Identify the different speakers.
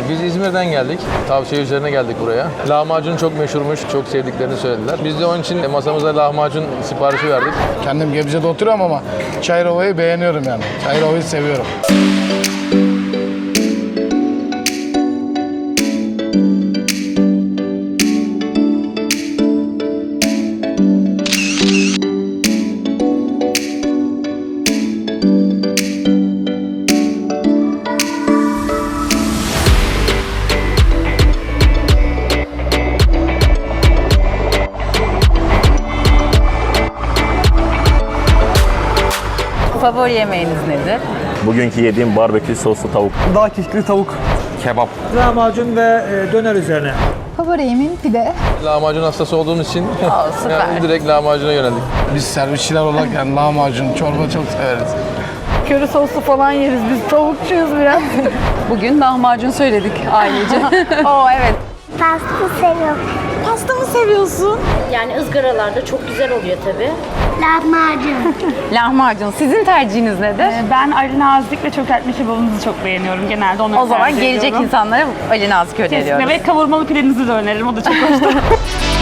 Speaker 1: Biz İzmir'den geldik. Tavsiye üzerine geldik buraya. Lahmacun çok meşhurmuş, çok sevdiklerini söylediler. Biz de onun için masamıza lahmacun siparişi verdik.
Speaker 2: Kendim Gebze'de oturuyorum ama Çayırova'yı beğeniyorum yani. Çayırova'yı seviyorum.
Speaker 3: Favori yemeğiniz nedir?
Speaker 4: Bugünkü yediğim barbekü soslu tavuk.
Speaker 5: Dağ kişkili tavuk.
Speaker 4: Kebap.
Speaker 5: Lahmacun ve döner üzerine.
Speaker 6: Favori yemeğim pide.
Speaker 1: Lahmacun hastası olduğumuz için
Speaker 3: süper.
Speaker 1: yani direkt lahmacuna yöneldik.
Speaker 2: Biz servisçiler olarak yani lahmacun, çorba çok severiz.
Speaker 7: Köri soslu falan yeriz biz. Tavukçuyuz biraz.
Speaker 3: Bugün lahmacun söyledik ailece.
Speaker 7: Oo evet.
Speaker 8: Pasta seviyorum.
Speaker 7: Pasta mı seviyorsun?
Speaker 9: Yani ızgaralarda çok güzel oluyor tabii.
Speaker 8: Lahmacun.
Speaker 3: Lahmacun. Sizin tercihiniz nedir?
Speaker 7: Ben Ali Nazik ve çökertme kebabınızı çok beğeniyorum. Genelde onu
Speaker 3: O zaman
Speaker 7: tercih
Speaker 3: gelecek
Speaker 7: ediyorum.
Speaker 3: insanlara Ali Nazik öneriyoruz.
Speaker 7: Kesinlikle ve kavurmalı pidenizi de öneririm. O da çok hoş.